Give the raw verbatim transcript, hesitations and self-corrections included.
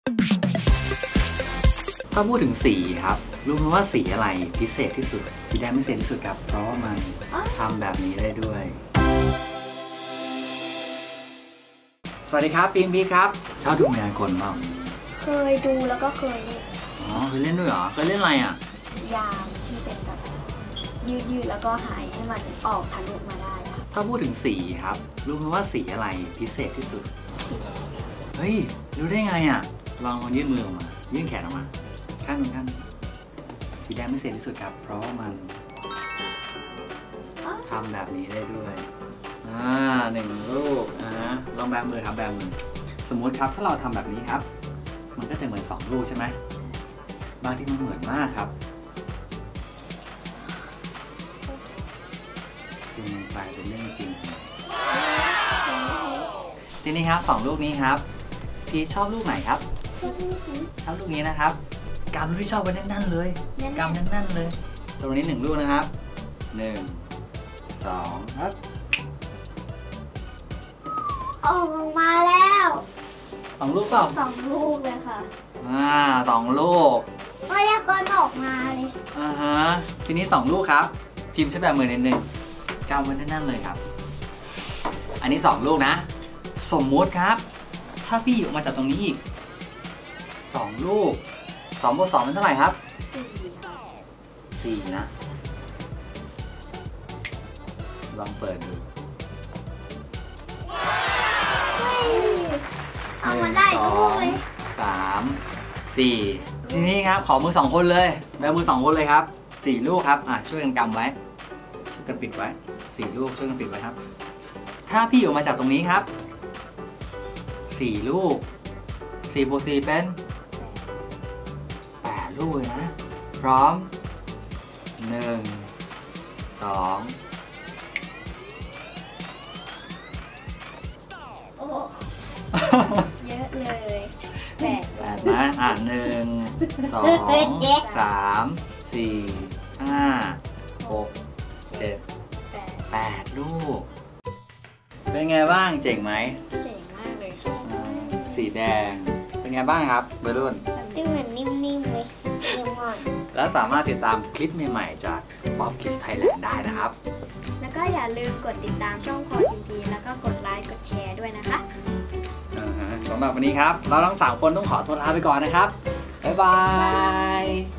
ถ้าพูดถึงสีครับรู้ไหมว่าสีอะไรพิเศษที่สุดสีแดงพิเศษที่สุดครับเพราะว่ามันทำแบบนี้ได้ด้วยสวัสดีครับปีนพีครับชอบดูมายากลบ้างเคยดูแล้วก็เคยเล่นอ๋อเคยเล่นด้วยเหรอเคยเล่นอะไรอ่ะยามที่เป็นแบบยืดยืดแล้วก็หายให้มันออกทะลุมาได้ถ้าพูดถึงสีครับรู้ไหมว่าสีอะไรพิเศษที่สุดเฮ้ยรู้ได้ไงอ่ะลองลองยื่นมือออกมายื่นแขนออกมาข้างหนึ่งข้างสีแดงพิเศษที่สุดครับเพราะว่ามันทำแบบนี้ได้ด้วยอ่าหนึ่งลูกอ่าลองแบมือครับแบมือสมมุติครับถ้าเราทำแบบนี้ครับมันก็จะเหมือนสองลูกใช่ไหมบางที่มันเหมือนมากครับจริงมันกลายเป็นเรื่องจริงทีนี้ครับสองลูกนี้ครับพี่ชอบลูกไหนครับชอบลูกนี้นะครับกำที่ชอบไว้แน่นๆเลยกำแน่นๆเลยตรงนี้หนึ่งลูกนะครับหนึ่งสองครับออกมาแล้วสองลูกเปล่าสองลูกเลยค่ะอ่าสองลูกไม่ยากออกมาเลยอ่าฮะทีนี้สองลูกครับพิมพ์ใช้แบบมือนิดนึงกำไว้แน่นๆเลยครับอันนี้สองลูกนะสมมุติครับถ้าพี่ออกมาจากตรงนี้อีกสองลูกสองบวกสองเป็นเท่าไหร่ครับสี่นะลองเปิดดูเอามาได้ทุกเลยสามสี่ทีนี้ครับขอมือสองคนเลยแบมือสองคนเลยครับสี่ลูกครับอ่ะช่วยกันกำไว้ช่วยกันปิดไว้สี่ลูกช่วยกันปิดไว้ครับถ้าพี่ออกมาจากตรงนี้ครับสี่ลูกสี่บวกสี่เป็นแปดลูกเลยนะพร้อมหนึ่งสองโอ้เยอะเลยแปดแปดนะอ่ะหนึ่งสองสามสี่ห้าหกเจ็ดแปดลูกเป็นไงบ้างเจ๋งไหมเจ๋งมากเลยค่ะสีแดงเป็นไงบ้างครับเบรุ่นดูเหมือนนิ่มๆเลยนิ่มมากและสามารถติดตามคลิปใหม่ๆจาก Bob Kids Thailand ได้นะครับแล้วก็อย่าลืมกดติดตามช่องพอทีมพีแล้วก็กดไลค์กดแชร์ด้วยนะคะสำหรับวันนี้ครับเราทั้งสามคนต้องขอตัวลาไปก่อนนะครับบ๊ายบาย